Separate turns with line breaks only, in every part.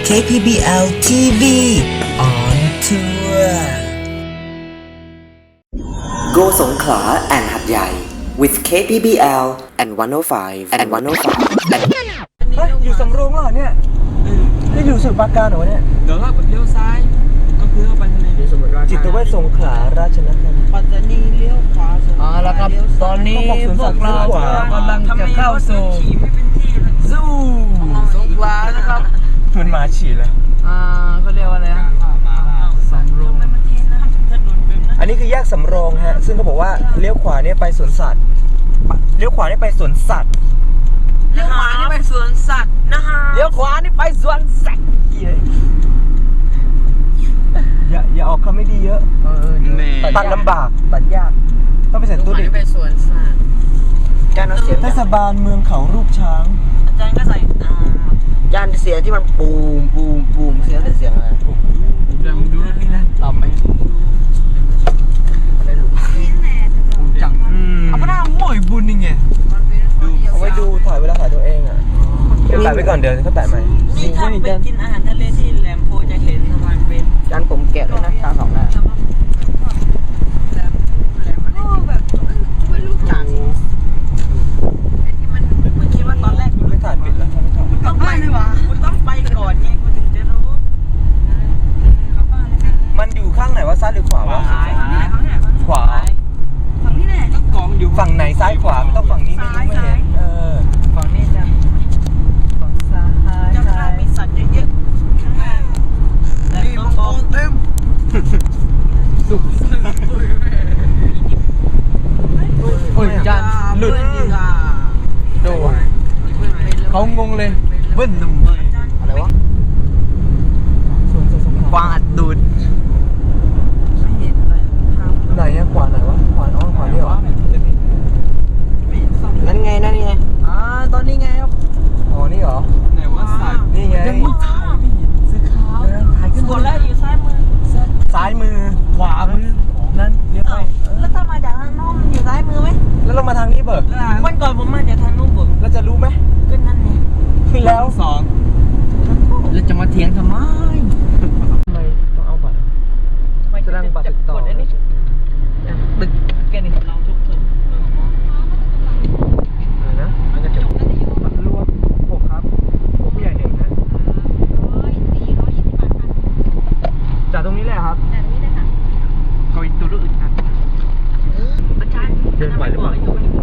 KPBL TV on tour
Go สงขลา and หัดใหญ่ with KPBL and 105 and 105 and
อยู่สำโรงเหรอเนี่ยนี่อยู่สุดปราการเหรอเนี่ย
เดี๋ยวเราเลี้ยวซ้ายก็คือเข้าไปทะเล
จิตเวชสงขลาราชนครินทร์
ปัตตานีเลี้ยวขวาสุด
แล้วครับตอนนี้พวกเรากำลังจะเข้าสู่ซูสงขลานะครับ
มันมาฉี่เลย
เขาเรียกว่าอะไรนะสำโรง
อันนี้คือแยกสำโรงฮะซึ่งเขาบอกว่าเลี้ยวขวาเนี่ยไปสวนสัตว์เลี้ยวขวานี่ไปสวนสัตว์
เลี้ยวขวานี่ไปสวนสัตว์นะฮะ
เลี้ยวขวานี่ไปสวนสัตว์
อย่าออกคำไม่ดีเยอะตัดลำบากตัดยากต้องไปใส่ตู้ดิ
ไปสวนสัตว์
เทศบาลเมืองเขารูปช้าง
อาจารย์ก็ใส่จานเสียงที่มันปูมเสียงอะไร
เดี๋ยวดูนี่นะตอบไหมจังเอาไปหน้าหมอยบุญนี่ไง
เอาไว้ดูถ่ายเวลาถ่ายตัวเองอ่ะแปะไว้ก่อนเดี๋ยวเขาแปะใหม่
นี่ถ้าไปกินอาหารทะเลที่แหลมโพจะเห็นมันเป็นจานผมแกะด้วยนะตาสองหน้าไม่รู้จักมันคิดว่าตอนแรก
ไม่ถ่ายปิดแล้วไม่ถ่าย
ต้องไปเลยวะคุณต้องไปก่อนไงคุณถึงจะรู้
มันอยู่ข้างไหนวะซ้ายหรือขวาวะขวา
ฝั่งนี้แหละกองอยู่
ฝั่งไหนซ้ายขวาไม่ต้องฝั่งนี้ไม่รู้ไม่เห็น
ฝั่งนี้จ้ะฝั่งซ้ายจะมีสัตว์เยอะๆข้างหน้านี่มังกรเต็ม
โอ้ยจานหลุดดูเขางงเลยเบิ้ลหนุ่มอะไรวะกวางอัดดูด
ไหนอะขวาไหนวะขวาน้องขวานี่เหรอ
นั่นไงตอนนี้ไงครับ
อ๋อนี่เหรอ
ไหนว่าสัตว์
นี่ไง
ยังไม่ถ่ายไม่เห็นซื้อข้าวถ่ายขึ้น
กดแล้วอยู่ซ้ายมือ
ซ้ายมือ
ขวามือนั่นเรียกไป
แล้วถ้ามาจากทางโน้นมันอยู่ซ้ายมือไหม
แล้วเรามาทางนี้เบิก
วันก่อนผมมาจากทางนู้นผม
เราจะรู้ไหม
ก็นั่นไง
แล้ว
สองแล้วจะมาเถียงทำไม
ทำไมต้องเอาบัตรแสดงบัตรติดต่อ
ตึกแกนี่เราทุกคน
อะไรนะมันจะจบบัตรรวม6ครับผู้ใหญ่1นะจากตรงนี้แหละครับ
เขาอีกตัวรู้อึดอัด
อาจารย์
เดินไหวหรือเปล่า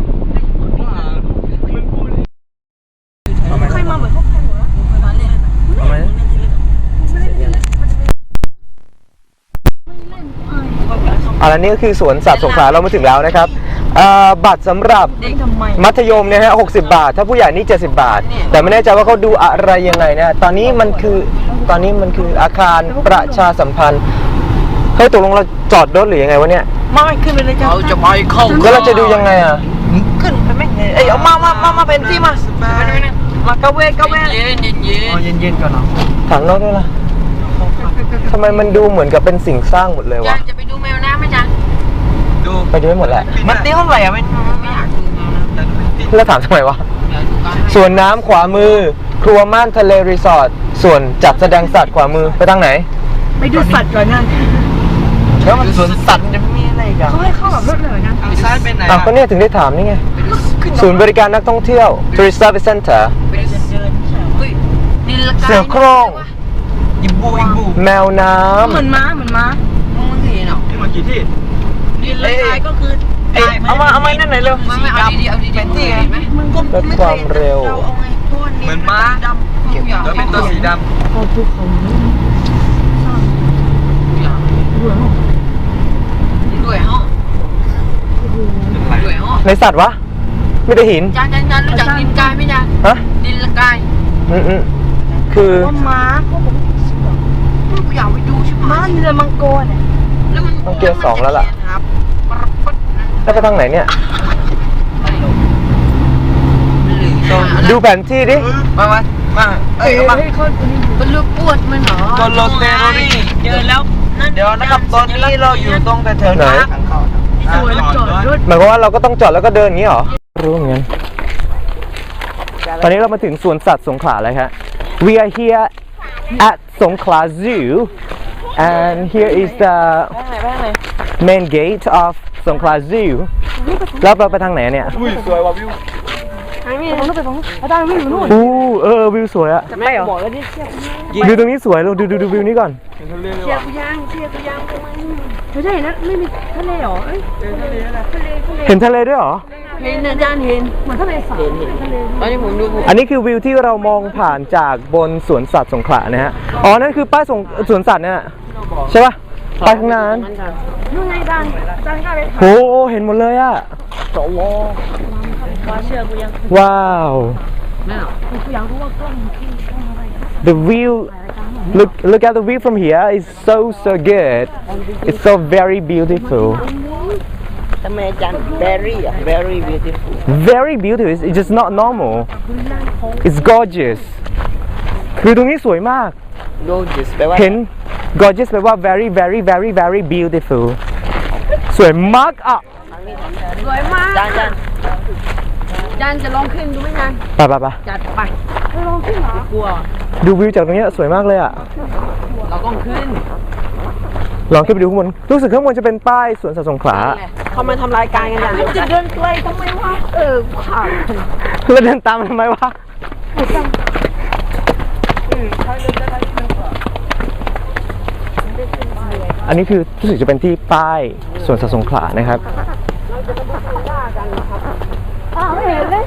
ใครมาเหมือนเขาใครหมดแล้วมาเล่น
เอาไหมแล้วนี่ก็คือสวนสัตว์สงขลาเรามาถึงแล้วนะครับบัตรสำหรับ
เด็กทำไม
มัธยมเนี่ยฮะ60 บาท ถ้าผู้ใหญ่นี่70 บาท แต่ไม่แน่ใจว่าเขาดูอะไรยังไงนะตอนนี้มันคืออาคารประชาสัมพันธ์เฮ้ยตกลงเราจอดรถหรือยังไงวะเนี่ย
ไม่ขึ้นไปเลยจ้า
เราจะไปเข้า
แล้วเราจะดูยังไงอ่ะ
ขึ้นไปไหมเอ้ยเอามาเป็นที่มามากระเวก
เย็นเย็นก่อนเนาะ
ถามนอกด้วยล่ะทำไมมันดูเหมือนกับเป็นสิ่งสร้างหมดเลยวะ
จะไปดูแมวน้ำไหมจ๊ะ
ดู
ไปดูให้หมดแหละ
มันตีเท่าไหร่อะไม่อยากดูแมวน้ำ
แล้วถามทำไมวะ
อยากดูกัน
ส่วนน้ำขวามือ ครัวม่านทะเลรีสอร์ทส่วนจัดแสดงสัตว์ขวามือไปทางไหน
ไปดูสัตว์ก่อนนะ
แล้วมันสวนสัตว์จะมีอะไรกัน
เขาให้เข้ากับรถเลยนะ
ไปซ้ายไปไหน
ก็เนี่ยถึงได้ถามนี่ไงศูนย์บริการนักท่องเที่ยว Tourist Service Center
นิลกา
เสือโคร่ง
ยิบู
แมวน้
เหมือนม้ามองทีเนาะ
ที่มากี่ที่
นิลกายก็คือ
ำเอามานั่นไหนเร็ว
ไม่เอาดีเป็นที่ไงมึงก็
ลดความเร็ว
เอาไงพวกนี้
เหมือนม้า
ดำทุกอย่าง
แล้วเป็นตัวสีดำ
ด้วยฮะด้วยฮะ
ในสัตว์วะไม่ได้หิน
จานรู้จักนิลกายไหมจ๊ะ
ฮะ
นิลกาย
คือ
ว่าม้าเขาบอกกูอยากไปดูใช่ไหมม้าเรือมังกรเนี่ยแล้วมัน
ต้องเกียร์2แล้วล่ะ
ครับ
แล้วไปทางไหนเนี่ย ดูแผนที่ดิ
มาเอ้ยมา
เป็นลูกปวดมันเหรอ
โดนโรเตโรนี่
เจอแล้วเดี๋ยวนะครับตอนนี้เราอยู่ตรงแถว
ไหน
ทางเข้าจอดรถ
หมายความว่าเราก็ต้องจอดแล้วก็เดินอย่างนี้เหรอรู้เหมือนกันตอนนี้เรามาถึงสวนสัตว์สงขลาแล้วครับ We are here at Songkhla Zoo and here is the main gate of Songkhla Zoo แล้วเราไปทางไหนเนี่ย
อุ้ยสวยว่ะวิว
อู้วิวสวยอะ
จะไม่เหรอ
วิวตรงนี้สวยเราดูวิวนี้ก่อน
เชียร์กูยังไม่ใช่นะไม่มีทะเลเหรอเอ้ยทะเล
เห็นทะเลด้วยเหรอ
เห็นอาจารย์เห็นเหมือนทะเลสาบเห็นตอนนี้ผมดู
อันนี้คือวิวที่เรามองผ่านจากบนสวนสัตว์สงขลานะฮะ อ๋อ นั่นคือป้ายสวนสัตว์เนี่ยใช่ปะป้ายข้างหน้านั้น
นู่นไงอาจารย์กล้าไป
โหเห็นหมดเลยอะ
ว่าเชื่อกูยัง
ว้าว
กูอยากรู้ว่ากล้อง
The view look at the view from here is so good it's so very beautiful
ทำไมอาจารย์ very beautiful
very beautiful it's just not normal it's gorgeous คือตรงนี้สวยมาก
gorgeous แปลว่า
เห็น gorgeous แปลว่า very very very very beautiful สวยมากอ่ะ
สวยมากอาจารย์จะลองขึ้นดูไหมอาจารย์
ไป
จัดไปลองขึ้นเหรอกลัว
ดูวิวจากตรงนี้สวยมากเลยอ่ะ
เราต้องขึ้น
ลองขึ้นไปดูข้างบน รู้สึกข้างบนจะเป็นป้ายสวนสัตว์สงขลา
เขามาทำรายการกันอย่างจะเดินไกลทำไมวะผ่าน
แล้วเดินตามมันทำไมวะ อันนี้คือรู้สึกจะเป็นที่ป้ายสวนสัตว์สงขลานะครับ
ไม่เห็นเลย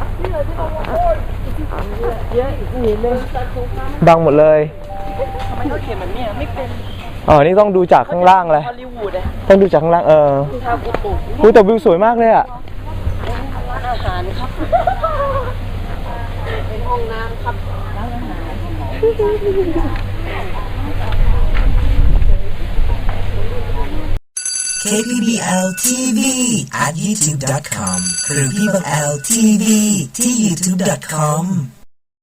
เยอะเห็นเลย
บังหมดเลย
ทำไมเขาเขียนแบบนี้ไม่เป็น
อ๋อ นี่ต้องดูจากข้างล่างเลย
ฮอลลีวูดเลย
ต้องดูจากข้างล่าง
ถ้ากูปลูก
อุ๊ยแต่วิวสวยมากเลยอ่ะ
ร้านอาหารครับ เป็นห้องน้ำครับร้านอาหาร
KPBL TV at youtube.com หรือพี่บัง L TV ที่ youtube.com